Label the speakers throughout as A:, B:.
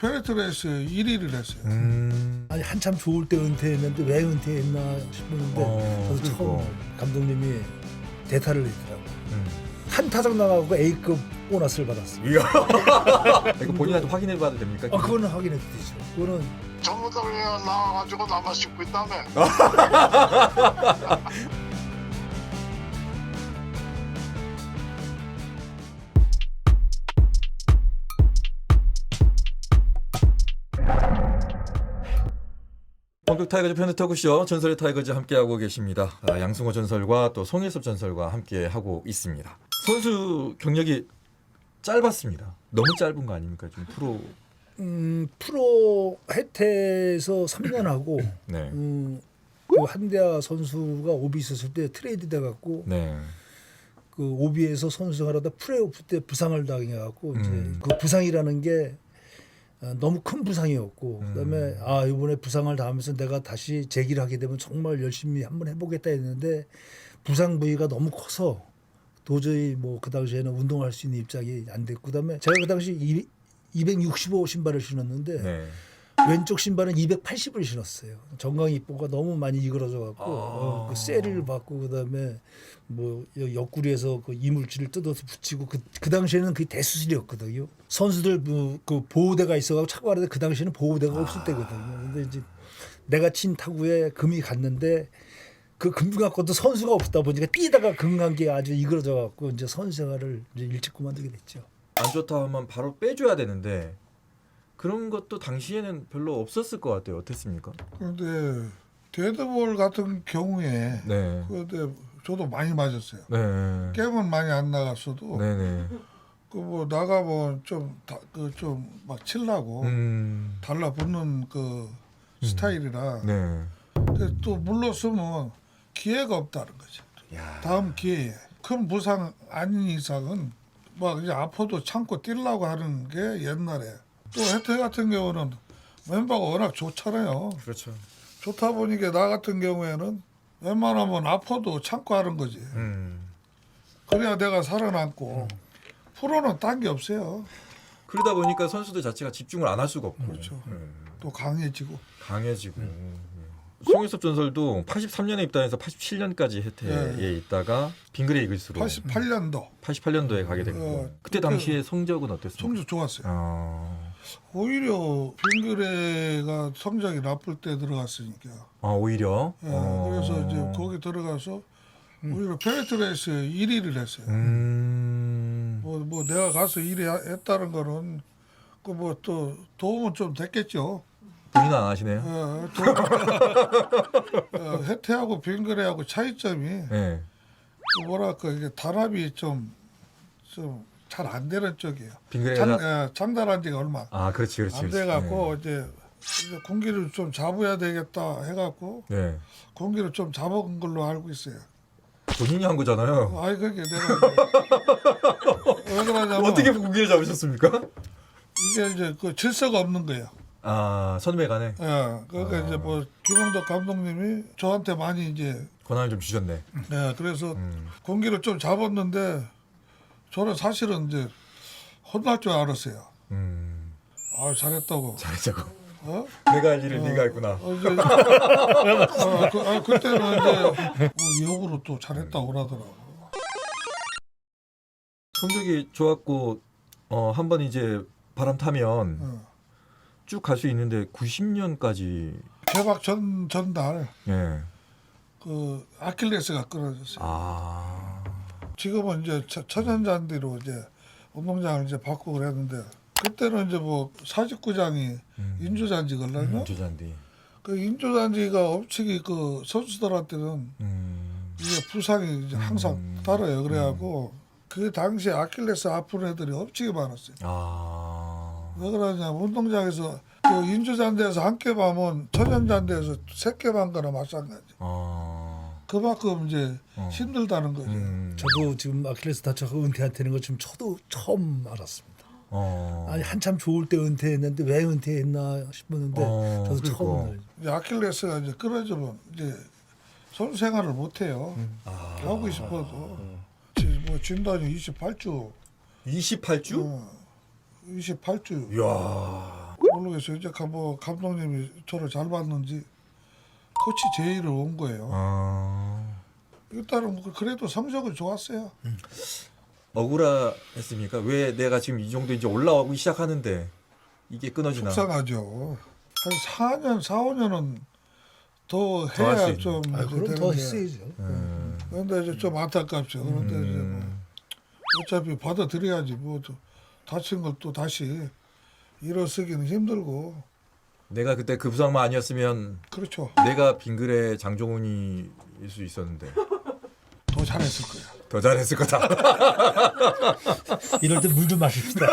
A: 페레트 레이스 1위를 했어요.
B: 아니 한참 좋을 때 은퇴했는데 왜 은퇴했나 싶었는데 저도 처음 감독님이 대타를 내더라고요. 한 타석 나가고 A급 보너스를 받았어요.
C: 이야. 이거 본인한테 확인해 봐도 됩니까?
B: 그거는 확인해도 되죠. 그거는
D: 전부 다 그냥 나와가지고 나만 씻고 있다며.
C: 본격 타이거즈 편의 토크쇼 전설의 타이거즈 함께하고 계십니다. 양승호 전설과 또 송일섭 전설과 함께하고 있습니다. 선수 경력이 짧았습니다. 너무 짧은 거 아닙니까? 좀 프로.
B: 프로 해태에서 3년 하고
C: 네.
B: 그 한대하 선수가 오비 있었을 때 트레이드 돼갖고
C: 네.
B: 그 오비에서 선수 생활하다 플레이오프 때 부상을 당해갖고 이제 그 부상이라는 게 너무 큰 부상이었고 그다음에 이번에 부상을 당하면서 내가 다시 재기를 하게 되면 정말 열심히 한번 해보겠다 했는데 부상 부위가 너무 커서 도저히 뭐 그 당시에는 운동할 수 있는 입장이 안 됐고 그다음에 제가 그 당시 265 신발을 신었는데
C: 네.
B: 왼쪽 신발은 280을 신었어요. 정강이뽀가 너무 많이 이그러져 갖고 그 셀을 받고 그다음에 뭐 옆구리에서 그 이물질을 뜯어서 붙이고 그 당시에는 그게 대수술이었거든요. 선수들 그 보호대가 있어가지고 차고 하는데 그 당시에는 보호대가 없을 때거든요. 근데 이제 내가 친 타구에 금이 갔는데 그 금 갖고도 선수가 없다 보니까 뛰다가 금 간 게 아주 이그러져 갖고 이제 선수 생활을 이제 일찍 그만두게 됐죠.
C: 안 좋다 하면 바로 빼줘야 되는데 그런 것도 당시에는 별로 없었을 것 같아요. 어땠습니까?
A: 그런데 데드볼 같은 경우에
C: 네.
A: 근데 저도 많이 맞았어요.
C: 네.
A: 게임은 많이 안 나갔어도
C: 네네.
A: 그 뭐 나가면 좀 막 칠라고 달라붙는 그 스타일이라
C: 네.
A: 근데 또 물러서면 기회가 없다는 거죠.
C: 야.
A: 다음 기회에 큰 부상 아닌 이상은 막 이제 아파도 참고 뛰려고 하는 게 옛날에 또 혜태 같은 경우는 멤버가 워낙 좋잖아요.
C: 그렇죠.
A: 좋다 보니까 나 같은 경우에는 웬만하면 아파도 참고 하는 거지. 그래야 내가 살아남고 프로는 딴 게 없어요.
C: 그러다 보니까 선수들 자체가 집중을 안 할 수가 없고
A: 그렇죠. 또 강해지고.
C: 강해지고 송일섭 전설도 83년에 입단해서 87년까지 혜태에
A: 네.
C: 있다가 빙그레 이글스로
A: 88년도
C: 88년도에 가게 됐고 그때 당시에 성적은 어땠습니까?
A: 성적 좋았어요. 오히려 빙그레가 성적이 나쁠 때 들어갔으니까.
C: 오히려.
A: 예, 그래서 이제 거기 들어가서 오히려 페레트 레이스 1위를 했어요. 뭐 내가 가서 1위 했다는 거는 그 뭐 또 도움은 좀 됐겠죠.
C: 본인은 안 하시네요.
A: 혜태하고 빙그레하고 차이점이
C: 네.
A: 그 뭐랄까 이게 단합이 좀 잘 안 되는 쪽이에요.
C: 빙그레가
A: 장단한 지가 얼마
C: 그렇지.
A: 안 돼갖고 이제 공기를 좀 잡아야 되겠다 해갖고
C: 네.
A: 공기를 좀 잡은 걸로 알고 있어요.
C: 본인이 한 거잖아요.
A: 아이 그게 내가 왜 그러냐면
C: 어떻게 공기를 잡으셨습니까?
A: 이게 이제 그 질서가 없는 거예요.
C: 선배 간에
A: 예, 그러니까 이제 뭐 김홍덕 감독님이 저한테 많이 이제
C: 권한을 좀 주셨네.
A: 그래서 공기를 좀 잡았는데 저는 사실은 이제 혼날 줄 알았어요. 잘했다고.
C: 잘했자고.
A: 어?
C: 내가 할 일을 네가 했구나.
A: 그때는 이제 역으로 또 잘했다고 그러더라고.
C: 성적이 좋았고 한 번 이제 바람 타면 쭉 갈 수 있는데 90년까지
A: 개막 전달
C: 예.
A: 그 아킬레스가 끊어졌어요. 지금은 이제 천연잔디로 이제 운동장을 이제 바꾸고 그랬는데 그때는 이제 뭐 사직구장이 인조잔디 걸렸나?
C: 인조잔디.
A: 그 인조잔디가 엄청이 그 선수들한테는 이게 부상이 이제 항상 따라요. 그래갖고 그 당시에 아킬레스 아픈 애들이 엄청 많았어요. 왜 그러냐면 운동장에서 그 인조잔디에서 한 개 밤은 천연잔디에서 3개 반 거나 마찬가지. 그만큼 이제 힘들다는 거죠.
B: 저도 지금 아킬레스 다쳐서 은퇴한테는 거 지금 저도 처음 알았습니다. 아니 한참 좋을 때 은퇴했는데 왜 은퇴했나 싶었는데 저도 처음 알았어요.
A: 이제 아킬레스가 이제 끊어지면 이제 선수 생활을 못 해요. 하고 싶어도 뭐 진단이 28주.
C: 28주?
A: 28주.
C: 이야.
A: 모르겠어요. 이제 뭐 감독님이 저를 잘 봤는지 코치 제의를 온 거예요. 일단은 뭐 그래도 성적은 좋았어요.
C: 억울했습니까? 왜 내가 지금 이 정도 이제 올라오기 시작하는데 이게 끊어지나?
A: 속상하죠. 한 4년, 4, 5년은 더
C: 더할수
A: 해야
C: 있는.
A: 좀
B: 아, 그럼
A: 되는데.
B: 더 했어야죠.
A: 그런데 이제 좀 안타깝죠. 그런데 이제 뭐 어차피 받아들여야지. 뭐 또 다친 걸 또 다시 일어서기는 힘들고.
C: 내가 그때 그 부상만 아니었으면
A: 그렇죠.
C: 내가 빙글의 장종훈이일 수 있었는데
A: 더 잘했을 거야.
C: 더 잘했을 거다.
B: 이럴 때 물 좀 마십시다.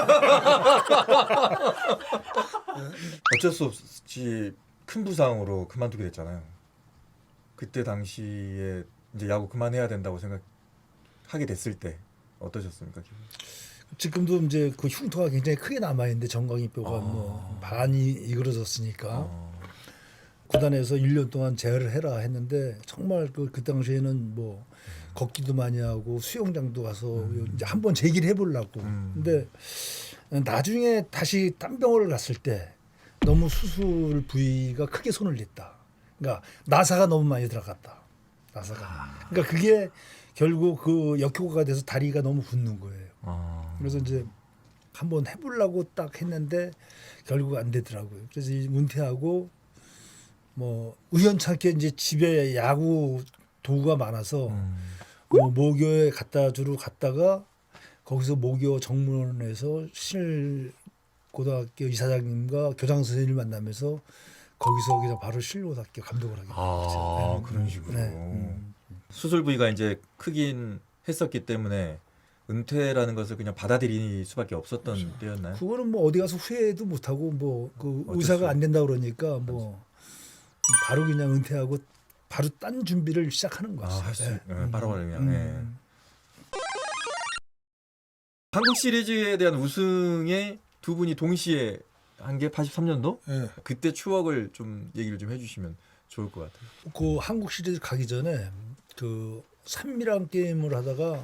C: 어쩔 수 없이 큰 부상으로 그만두게 됐잖아요. 그때 당시에 이제 야구 그만해야 된다고 생각하게 됐을 때 어떠셨습니까? 기분?
B: 지금도 이제 그 흉터가 굉장히 크게 남아 있는데 정강이뼈가 뭐 많이 이그러졌으니까 구단에서 1년 동안 재활을 해라 했는데 정말 그 당시에는 뭐 걷기도 많이 하고 수영장도 가서 이제 한번 재기를 해보려고. 근데 나중에 다시 딴 병원을 갔을 때 너무 수술 부위가 크게 손을 냈다. 그러니까 나사가 너무 많이 들어갔다. 나사가. 그러니까 그게 결국 그 역효과가 돼서 다리가 너무 붓는 거예요. 그래서 이제 한번 해보려고 딱 했는데 결국 안 되더라고요. 그래서 은퇴하고 뭐 우연찮게 이제 집에 야구 도구가 많아서 뭐 모교에 갖다 주러 갔다가 거기서 모교 정문에서 신일고등학교 이사장님과 교장 선생님을 만나면서 거기서 그냥 바로 신일고등학교 감독을 하게 됐어요.
C: 그런 식으로.
B: 네.
C: 수술 부위가 이제 크긴 했었기 때문에 은퇴라는 것을 그냥 받아들일 수밖에 없었던 때였나요?
B: 그거는 뭐 어디 가서 후회도 못 하고 뭐 그
C: 어쩔
B: 의사가
C: 수
B: 안 된다 그러니까 뭐 바로 그냥 은퇴하고 바로 딴 준비를 시작하는 거죠.
C: 바로 그냥. 네. 한국 시리즈에 대한 우승에 두 분이 동시에 한 게 83년도?
A: 예.
C: 그때 추억을 좀 얘기를 좀 해주시면 좋을 것 같아요.
B: 그 한국 시리즈 가기 전에 그 산미랑 게임을 하다가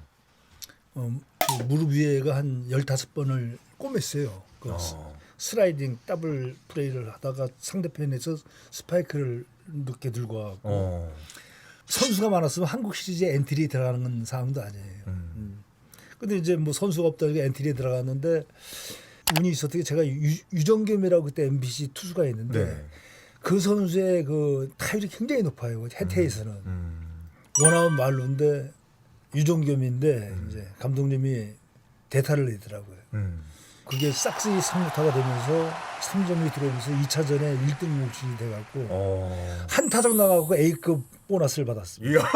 B: 그 무릎 위에가 한 15번을 꼬맸어요. 그 슬라이딩 더블 플레이를 하다가 상대편에서 스파이크를 늦게 들고 와갖고 선수가 많았으면 한국 시리즈에 엔트리에 들어가는 상황도 아니에요. 근데 이제 뭐 선수가 없다니까 엔트리에 들어갔는데 운이 있었던 게 제가 유정겸이라고 그때 MBC 투수가 있는데
C: 네.
B: 그 선수의 그 타율이 굉장히 높아요. 해태에서는 원아웃 말루인데 유정겸인데 이제 감독님이 대타를 내더라고요. 그게 싹스이 3루타가 되면서 3점이 들어오면서 2차전에 1등 몫이 돼갖고 한 타석 나가고 A급 보너스를 받았습니다.
C: 이야.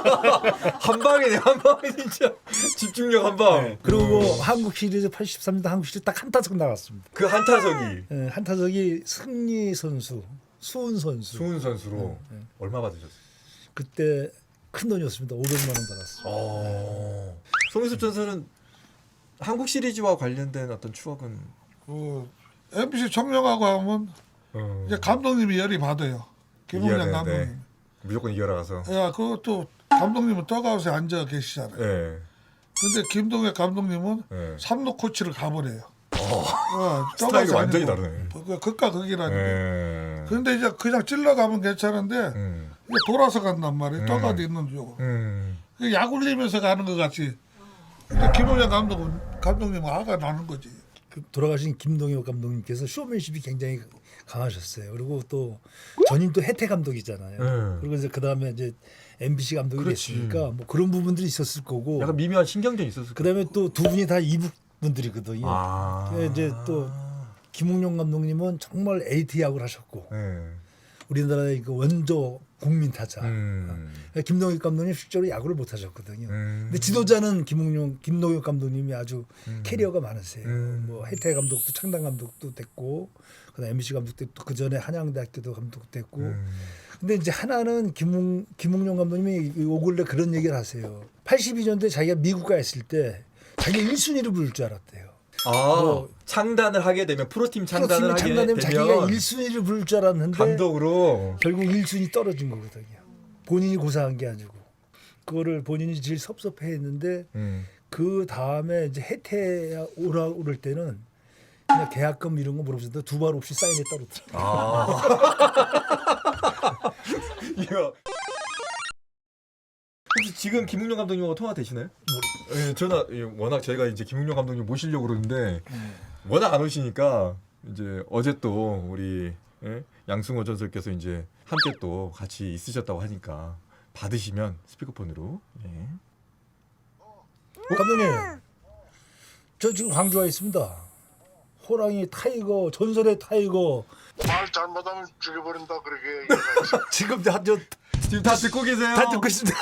C: 한 방이네, 한 방이 진짜. 집중력 한 방.
B: 그리고 한국 시리즈 83년 한국 시리즈 딱 한 타석 나갔습니다.
C: 그 한 타석이
B: 예, 한 타석이 승리 선수, 수훈 선수.
C: 수훈 선수로 얼마 받으셨어요?
B: 그때 큰 돈이었습니다. 500만 원 받았어요.
C: 송희섭 전설은 한국 시리즈와 관련된 어떤 추억은
A: 그 MBC 청룡하고 하면 이제 감독님이 열이 받아요. 김웅장
C: 이겨야 되는데.
A: 감독님.
C: 무조건 이겨라 가서.
A: 야, 그것도 감독님은 떡아웃에 앉아 계시잖아요.
C: 예.
A: 근데 김동엽 감독님은
C: 예.
A: 3루 코치를 가버려요.
C: 스타일이
A: 떡아웃이
C: 완전히
A: 아니고
C: 다르네.
A: 극과 극이라는 게.
C: 예.
A: 근데 이제 그냥 찔러가면 괜찮은데 이제 돌아서 간단 말이에요. 떡아웃 있는 쪽으로. 약 올리면서 가는 것 같이. 근데 김호장 감독님은 화가 나는 거지.
B: 그 돌아가신 김동엽 감독님께서 쇼맨십이 굉장히 강하셨어요. 그리고 또 전임 또 혜태 감독이잖아요. 그리고 이제 그 다음에 이제 MBC 감독이
C: 그렇지.
B: 됐으니까 뭐 그런 부분들이 있었을 거고.
C: 약간 미묘한 신경전이 있었을
B: 그 다음에 또 두 분이 다 이북 분들이거든요. 이제 또 김웅룡 감독님은 정말 에이티 야구를 하셨고 우리나라의 그 원조 국민 타자. 김동엽 감독님 실제로 야구를 못 하셨거든요. 근데 지도자는 김동엽 감독님이 아주 캐리어가 많으세요. 뭐 혜태 감독도 창단 감독도 됐고, 그다음 MBC 감독도 그 전에 한양대학교도 감독 됐고. 근데 이제 하나는 김웅룡 감독님이 요 근래 그런 얘기를 하세요. 82년도에 자기가 미국 가 있을 때 자기가 1순위를 부를 줄 알았대요. 뭐
C: 창단을 하게 되면 프로팀 창단을 하게
B: 창단되면
C: 되면
B: 자기가 1순위를 부를 줄 알았는데
C: 감독으로
B: 결국 1순위 떨어진 거거든요. 본인이 고사한 게 아니고 그거를 본인이 제일 섭섭해했는데 그 다음에 이제 혜태 오를 때는 그냥 계약금 이런 거 물어보셨는데 두 말 없이 사인했다고 그러더라고요.
C: 아. 이거 혹시 지금 김웅룡 감독님하고 통화 되시나요? 예, 전화 워낙 저희가 이제 김웅룡 감독님 모시려고 그러는데 워낙 안 오시니까 이제 어제 또 우리 양승호 전설께서 이제 함께 또 같이 있으셨다고 하니까 받으시면 스피커폰으로. 예.
B: 감독님, 저 지금 광주 와 있습니다. 호랑이 타이거 전설의 타이거
D: 말 잘못하면 죽여버린다 그렇게 얘기해가지고.
B: 지금
C: 지금 다 듣고 계세요?
B: 다 듣고 있습니다.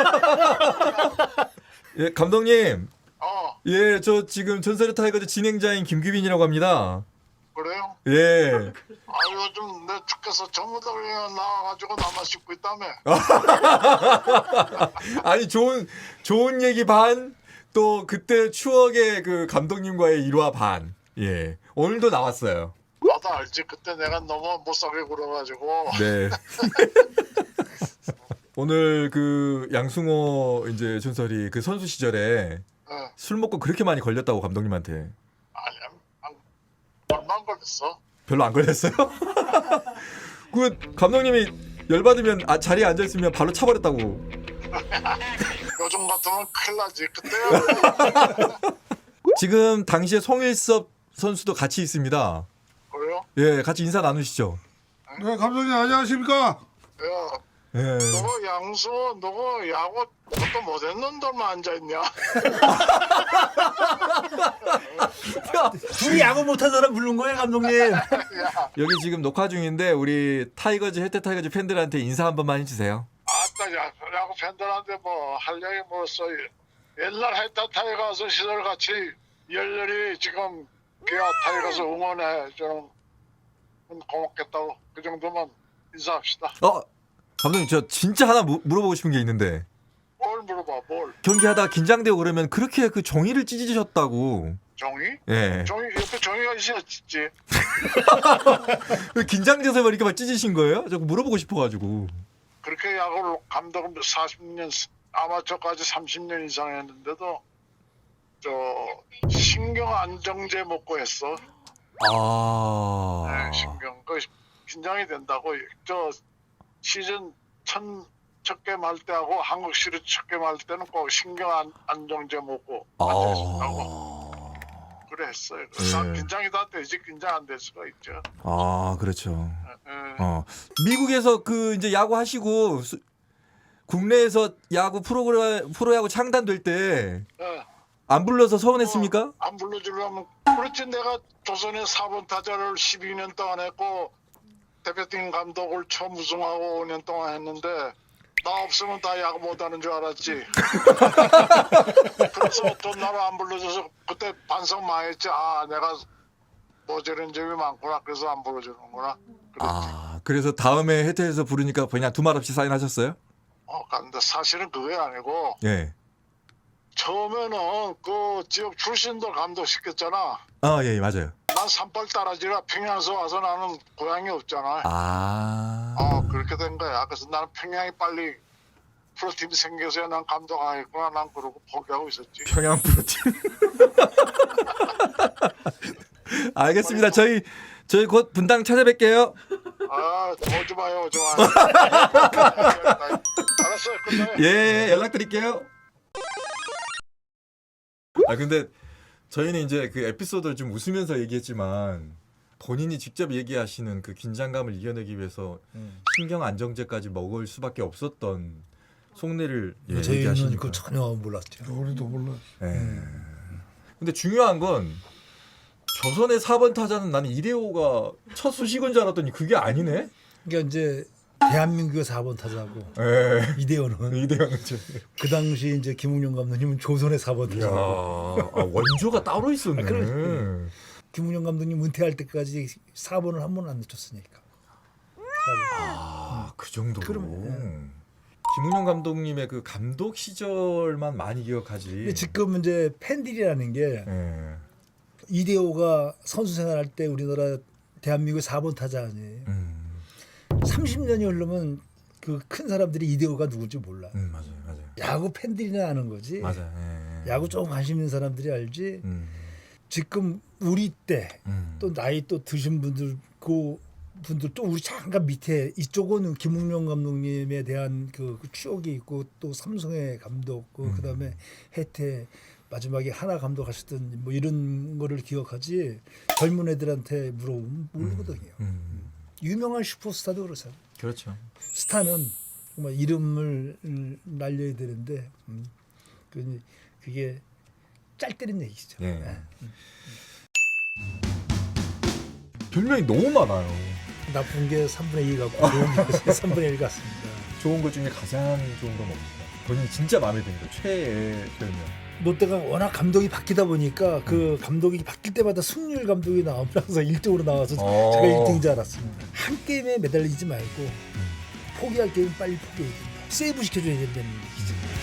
C: 예, 감독님.
D: 어
C: 예, 저 지금 전설의 타이거즈 진행자인 김규빈이라고 합니다.
D: 그래요?
C: 예.
D: 아 요즘 내 죽겠어. 전부들 그냥 나와가지고 나만 씻고 있다며.
C: 아니 좋은 얘기 반, 또 그때 추억의 그 감독님과의 일화 반. 예. 오늘도 나왔어요.
D: 나도 알지. 그때 내가 너무 못살게 굴어가지고.
C: 네. 오늘 그 양승호 이제 전설이 그 선수 시절에
D: 어,
C: 술 먹고 그렇게 많이 걸렸다고 감독님한테.
D: 아니 얼마 안 걸렸어.
C: 별로 안 걸렸어요? 그 감독님이 열받으면 자리에 앉아 있으면 바로 차버렸다고.
D: 요즘 같으면 큰일 나지. 그때야.
C: 지금 당시에 송일섭 선수도 같이 있습니다.
D: 그래요?
C: 예, 같이 인사 나누시죠.
A: 네, 감독님 안녕하십니까?
D: 야,
C: 예.
D: 너가 양수, 너가 야구 그것도 못했는 놈들만 앉아있냐?
B: 둘이 야구 못한 사람 부른 거예요, 감독님.
D: 야,
C: 여기 지금 녹화 중인데 우리 타이거즈 혜태 타이거즈 팬들한테 인사 한 번만 해주세요.
D: 아따 야구 팬들한테 뭐 할 얘기 뭐써 옛날 해타 타이거스 시절 같이 열렬히 지금 기아 타이거스 응원해 주는 고맙겠다고 그 정도만 인사합시다.
C: 감독님 저 진짜 하나 물어보고 싶은 게 있는데
D: 뭘 물어봐 뭘?
C: 경기하다가 긴장되고 그러면 그렇게 그 종이를 찢으셨다고.
D: 종이?
C: 예.
D: 종이 옆에 종이가 있었지.
C: 긴장돼서 막 이렇게 막 찢으신 거예요? 저 물어보고 싶어가지고.
D: 그렇게 야구를 감독을 40년 아마추어까지 30년 이상 했는데도 저 신경 안정제 먹고 했어. 네, 신경 그 긴장이 된다고. 저 시즌 첫 게임 할 때하고 한국 시리즈 첫 게임 할 때는 꼭 신경 안정제 먹고 앉아있다고 그래 했어요. 그래서
C: 네.
D: 긴장이 다 되지 긴장 안 될 수가 있죠.
C: 그렇죠.
D: 예.
C: 미국에서 그 이제 야구 하시고 국내에서 야구 프로야구 창단될 때 안
D: 예.
C: 불러서 서운했습니까?
D: 안 불러주려면 그렇지. 내가 조선의 4번 타자를 12년 동안 했고 대표팀 감독을 처음 우승하고 5년 동안 했는데 나 없으면 다 야구 못하는 줄 알았지. 그래서 또 나를 안 불러줘서 그때 반성 많이 했지. 아 내가 모자란 점이 많구나. 그래서 안 불러주는구나. 그랬지.
C: 그래서 다음에 혜태에서 부르니까 그냥 두말 없이 사인하셨어요?
D: 근데 사실은 그게 아니고
C: 예.
D: 처음에는 그 지역 출신들 감독 시켰잖아.
C: 예, 맞아요.
D: 난 산발 따라지라 평양에서 와서 나는 고향이 없잖아. 그렇게 된 거야. 그래서 나는 평양이 빨리 프로팀이 생겨서야 난 감독하겠구나. 난 그러고 포기하고 있었지.
C: 평양 프로팀. 알겠습니다. 저희 곧 분당 찾아뵐게요.
D: 오지 마요, 오지 마요. 알았어요, 끝나요.
C: 예, 연락드릴게요. 근데 저희는 이제 그 에피소드를 좀 웃으면서 얘기했지만 본인이 직접 얘기하시는 그 긴장감을 이겨내기 위해서 신경 안정제까지 먹을 수밖에 없었던 속내를
B: 저희는
C: 얘기하시니까.
B: 그거 전혀 몰랐죠.
A: 우리도 몰라.
C: 근데 중요한 건 조선의 4번 타자는 나는 이대호가 첫 수식은 줄 알았더니 그게 아니네.
B: 그러니까 이제 대한민국의 4번 타자고
C: 예.
B: 이대호는
C: 이대호는
B: 그 당시 이제 김웅룡 감독님은 조선의 4번
C: 야,
B: 타자.
C: 원조가 따로 있었네.
B: 그러네. 김웅룡 감독님 은퇴할 때까지 4번을 한 번은 안 놓쳤으니까.
C: 그 정도로.
B: 그러면,
C: 김웅룡 감독님의 그 감독 시절만 많이 기억하지.
B: 근데 지금 이제 팬들이라는 게
C: 예.
B: 이대호가 선수 생활할 때 우리나라 대한민국의 4번 타자 아니에요. 30년이 흐르면 그 큰 사람들이 이대호가 누군지 몰라.
C: 맞아요.
B: 야구 팬들이나 아는 거지.
C: 맞아요. 예.
B: 야구 조금 관심 있는 사람들이 알지. 지금 우리 때
C: 음.
B: 또 나이 또 드신 분들 분들 또 우리 잠깐 밑에 이쪽은 김웅룡 감독님에 대한 그 추억이 있고 또 삼성의 감독 그다음에 해태 마지막에 하나 감독하셨던 뭐 이런 거를 기억하지 젊은 애들한테 물어보면 모르거든요. 유명한 슈퍼스타도 그렇잖아요.
C: 그렇죠.
B: 스타는 정말 이름을 날려야 되는데 그게 짤 때리는 얘기죠.
C: 예.
B: 네.
C: 별명이 너무 많아요.
B: 나쁜 게 3분의 2 같고 좋은 게 3분의 1 같습니다.
C: 좋은 것 중에 가장 좋은 건 뭡니까? 본인이 진짜 마음에 드는 거 최애 별명.
B: 롯데가 워낙 감독이 바뀌다 보니까 그 감독이 바뀔 때마다 승률 감독이 나오면 항상 1등으로 나와서 제가 1등인 줄 알았습니다. 한 게임에 매달리지 말고 포기할 게임 빨리 포기해야 된다. 세이브 시켜줘야 된다는 얘기죠.